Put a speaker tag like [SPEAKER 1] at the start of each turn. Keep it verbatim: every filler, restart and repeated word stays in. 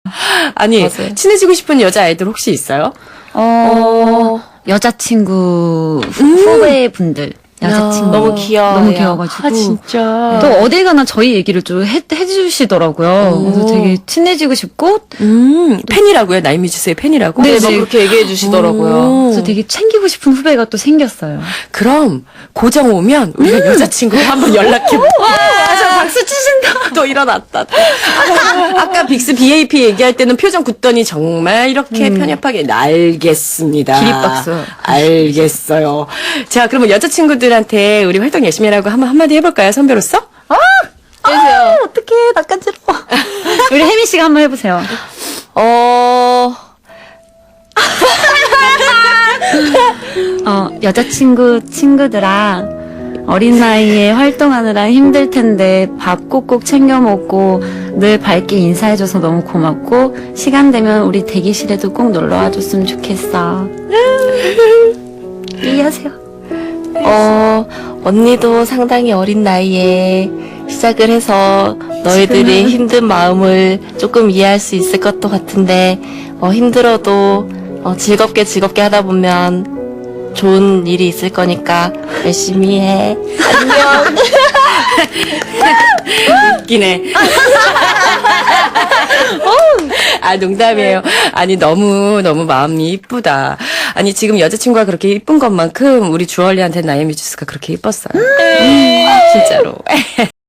[SPEAKER 1] 아니,
[SPEAKER 2] 맞아요.
[SPEAKER 1] 친해지고 싶은 여자아이들 혹시 있어요?
[SPEAKER 3] 어, 여자친구 후배분들. 여자친구.
[SPEAKER 2] 너무 귀여워요.
[SPEAKER 3] 너무 귀여워가지고.
[SPEAKER 1] 아, 진짜.
[SPEAKER 3] 또 어딜 가나 저희 얘기를 좀 해, 해주시더라고요. 그래서 되게 친해지고 싶고,
[SPEAKER 1] 음, 팬이라고요? 나이뮤지스의 팬이라고?
[SPEAKER 3] 네,
[SPEAKER 2] 네, 막
[SPEAKER 3] 네.
[SPEAKER 2] 그렇게 얘기해 주시더라고요.
[SPEAKER 3] 그래서 되게 챙기고 싶은 후배가 또 생겼어요.
[SPEAKER 1] 그럼 고정 오면 우리가 여자친구 한번 연락해볼게.
[SPEAKER 3] 맞아, 박수 치신다.
[SPEAKER 1] 또 일어났다. 아까, 아까 빅스 비에이피 얘기할 때는 표정 굳더니 정말 이렇게 편협하게 알겠습니다.
[SPEAKER 3] 기립박수.
[SPEAKER 1] 알겠어요. 자, 그러면 여자친구들한테 우리 활동 열심히 하라고 한번 한마디 해볼까요? 선배로서?
[SPEAKER 2] 해주세요.
[SPEAKER 3] 어떡해, 낯간지러워. 우리 혜미 씨가 한번 해보세요.
[SPEAKER 2] 어,
[SPEAKER 3] 어, 여자친구 친구들아, 어린 나이에 활동하느라 힘들 텐데 밥 꼭꼭 챙겨 먹고 늘 밝게 인사해줘서 너무 고맙고 시간 되면 우리 대기실에도 꼭 놀러 와줬으면 좋겠어. 이해하세요.
[SPEAKER 2] 어, 언니도 상당히 어린 나이에 시작을 해서 너희들이 힘든 마음을 조금 이해할 수 있을 것도 같은데, 어, 힘들어도 어, 즐겁게 즐겁게 하다 보면 좋은 일이 있을 거니까 열심히 해. 안녕.
[SPEAKER 1] 웃기네. 아, 농담이에요. 아니, 너무, 너무 마음이 이쁘다. 아니, 지금 여자친구가 그렇게 이쁜 것만큼 우리 주얼리한테 나이뮤지스가 그렇게 이뻤어요. 음, 진짜로.